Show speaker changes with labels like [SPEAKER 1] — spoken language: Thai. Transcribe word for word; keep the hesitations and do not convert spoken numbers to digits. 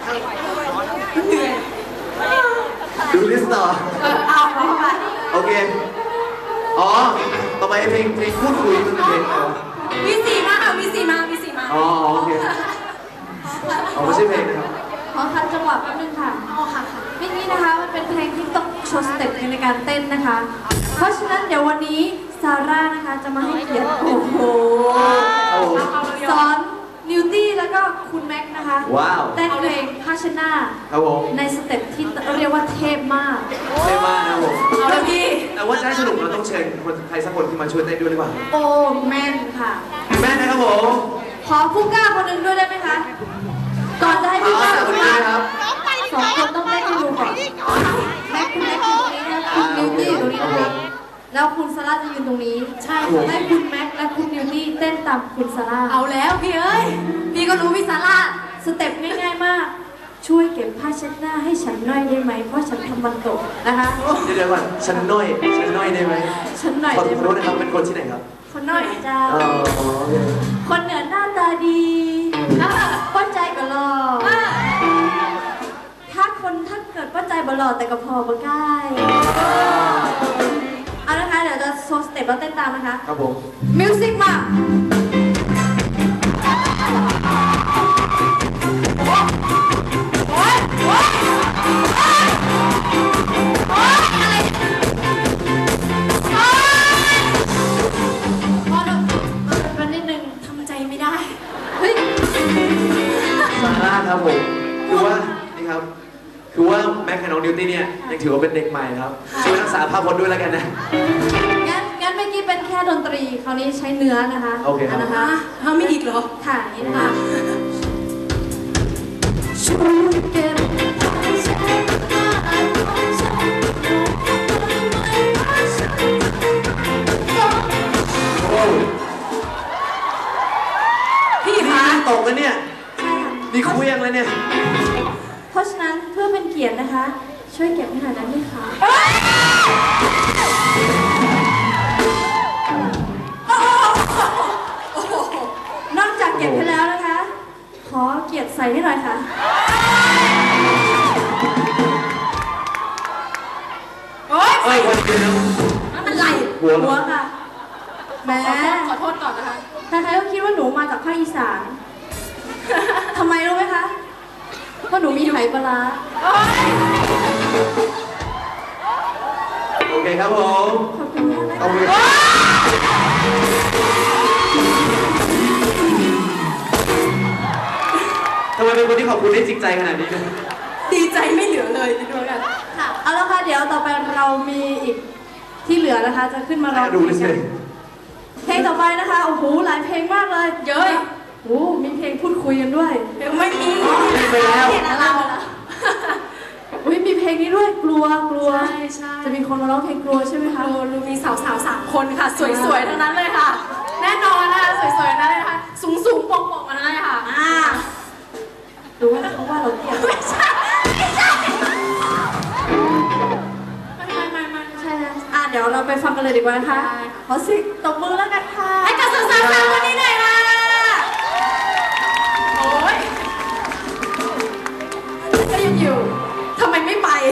[SPEAKER 1] ดูลิสต์ต่อ
[SPEAKER 2] เออเอาเอาไป
[SPEAKER 1] โอเคอ๋อต่อไปเพลงเพลงพูดคุยมันเป็นเพลงอะไรวะ
[SPEAKER 2] มีสีมาค่ะมีสีมามีสีมา
[SPEAKER 1] อ๋อโอเคอ๋อไม่ใช่เพลงนะครับ
[SPEAKER 3] ขอคัดจังหวะแป๊บนึงค่ะ
[SPEAKER 2] อ๋อค่ะค่ะ
[SPEAKER 3] เมื่อกี้นะคะมันเป็นเพลงที่ต้องโชว์สเต็ปในการเต้นนะคะ เพราะฉะนั้นเดี๋ยววันนี้ซาร่านะคะจะมาให้เกียรติโอ้โห
[SPEAKER 1] โอ้โห
[SPEAKER 3] สอนนิวตี้แล้วก็คุณแม็กซ์นะคะ
[SPEAKER 1] ว้าว
[SPEAKER 3] เต้นเพลงพาชนา
[SPEAKER 1] ครับผม
[SPEAKER 3] ในสเต็ปที่เรียกว่าเทพมาก
[SPEAKER 1] เท่มากนะครับผม
[SPEAKER 2] เอาละพี่
[SPEAKER 1] แต่ว่าจะให้สนุกเราต้องเชิญคนใครสักคนที่มาช่วยเต้นด้วยหรือเปล่า
[SPEAKER 3] โอ้แม่นค่ะ
[SPEAKER 1] แม่นะครับผม
[SPEAKER 3] ขอผู้กล้าคนหนึ่งด้วยได้ไหมคะ ก่อนจะให้
[SPEAKER 1] อ๋
[SPEAKER 3] ผู้
[SPEAKER 1] อก
[SPEAKER 3] ล้า
[SPEAKER 1] สาว
[SPEAKER 3] ค
[SPEAKER 1] คน
[SPEAKER 3] น
[SPEAKER 1] นี้
[SPEAKER 3] นี้
[SPEAKER 1] นะครับ
[SPEAKER 3] สองคนต้องเต้นให้ดูก่อนแม็กซ์คุณแม็กซ์อยู่ตรงนี้นะคุณนิวตี้อยู่ตรงนี้นะคะแล้วคุณซาร่าจะยืนตรงนี้
[SPEAKER 2] ใช่
[SPEAKER 3] ให้คุณแม็กซ์และคุณนิวตี้เต้นตามคุณซาร่า
[SPEAKER 2] เอาแล้วพี่เอ้ยพี่ก็รู้พี่ซาร่า
[SPEAKER 3] สเต็ปง่ายๆมาก ช่วยเก็บผ้าเช็ดหน้าให้ฉันหน่อยได้ไหม เพราะฉันทำมันตกนะคะ
[SPEAKER 1] เดี๋ยวเดี๋ยวก่อนฉันน้อยฉันน้อยได้ไหม
[SPEAKER 3] ฉันหน่อย
[SPEAKER 1] ขอ
[SPEAKER 3] ได้
[SPEAKER 1] ขอ
[SPEAKER 3] ไหม
[SPEAKER 1] โทษนะครับเป็นคนที่ไหนครับ
[SPEAKER 3] คนหน่อยเจ้า
[SPEAKER 1] อ๋อโอเค
[SPEAKER 3] คนเหนือหน้าตาดีป้าใจก็หล่อถ้าคนถ้าเกิดป้าใจบ่หล่อแต่ก็พอบ่ใกล้เอานะคะเดี๋ยวจะโชว์สเต็ปแล้วเต้นตามนะคะ
[SPEAKER 1] ครับผม
[SPEAKER 3] มิวสิกมาพอแล้วมันนิดนึง
[SPEAKER 2] ทำใจไม่ได้
[SPEAKER 3] เฮ้ย
[SPEAKER 1] ซาร่าครับผมคือว่านี่ครับคือว่าแม็กกับน้องดิวตี้เนี่ยยังถือว่าเป็นเด็กใหม่ครับช่วยรักษาภาพพจน์ด้วยแล้วกันนะ
[SPEAKER 3] งั้นงั้นเมื่อกี้เป็นแค่ดนตรี คราวนี้ใช้เนื้อนะคะ
[SPEAKER 1] โอเคครับ
[SPEAKER 3] นนะคะ
[SPEAKER 2] ฮะมีอีกเหรอ
[SPEAKER 3] ค่ะนี่นะคะช่วยเก็บผ้าเช็ดหน้าของฉัน
[SPEAKER 1] โอ้ย
[SPEAKER 2] พี่
[SPEAKER 1] นี่
[SPEAKER 2] คะ
[SPEAKER 1] ตกแล้วเนี่ย
[SPEAKER 3] ใช่ค่ะ
[SPEAKER 1] นี่คุยยังเลยเนี่ย
[SPEAKER 3] เพราะฉะนั้นเพื่อเป็นเกียรตินะคะ ช่วยเก็บให้หน่อยได้ไหมคะนอกจากเก็บให้แล้วนะคะ ขอเกียรติใส่ให้หน่อยค่ะ
[SPEAKER 2] โอ๊ย
[SPEAKER 1] เอ้ยวันเดียว
[SPEAKER 2] นั่นมันไหล
[SPEAKER 1] หัว
[SPEAKER 3] หัวค่ะแหม่
[SPEAKER 2] ขอโทษก่อนนะคะ
[SPEAKER 3] ใครๆก็คิดว่าหนูมาจากภาคอีสาน ทำไมรู้ไหมคะ เพราะหนูมีไหปลาร้า
[SPEAKER 2] โอ๊ย
[SPEAKER 1] โอเคครับผม
[SPEAKER 3] ขอบคุณมากนะ
[SPEAKER 1] เอา
[SPEAKER 3] คะ
[SPEAKER 1] ไปทำไมเป็นคนที่ขอบคุณได้จริงใจขนาดนี้เนี่ย
[SPEAKER 2] ดีใจไม่เหลือเลยดูกัน
[SPEAKER 3] ค่ะ เอาละค่ะ เดี๋ยวต่อไปเรามีอีกที่เหลือนะคะ จะขึ้นมาร้อง
[SPEAKER 1] ดู
[SPEAKER 3] เพล
[SPEAKER 1] เลย
[SPEAKER 3] ง
[SPEAKER 1] สิ
[SPEAKER 3] กันเพลงต่อไปนะคะ โอ้โห หลายเพลงมากเลย
[SPEAKER 2] เย้ย
[SPEAKER 3] โอ้โหมีเพลงพูดคุยกันด้วย
[SPEAKER 2] เดี๋ยวไม่มี
[SPEAKER 1] ไปแล้ว
[SPEAKER 2] เห็นอะไรแล้ว
[SPEAKER 3] อุ้ยมีเพลงนี้ด้วย กลัว กลัว
[SPEAKER 2] ใช่ใช่
[SPEAKER 3] จะมีคนมาร้องเพลงกลัวใช่ไหมคะ
[SPEAKER 2] โอ้รู้มีสาวสาวๆสามคนค่ะ สวยๆทั้งนั้นเลยค่ะ แน่นอนนะคะสวยๆทั้งนั้นเลยนะคะสูงสูงๆโป่งๆทั้งนั้นเลยค่ะอ่า
[SPEAKER 3] หรือว่าเขาว่าเราเกลียด
[SPEAKER 2] ไม่ใช่ไม่ใช่ไม่ไม่ไม่ไม่
[SPEAKER 3] ใช่นะอ่ะเดี๋ยวเราไปฟังกันเลยดีกว่านะคะ
[SPEAKER 2] ได้ค่ะ
[SPEAKER 3] ขอเสิตบมือแล้วกันค่ะ
[SPEAKER 2] ให้กับสาวๆสามคนนี้หน่อย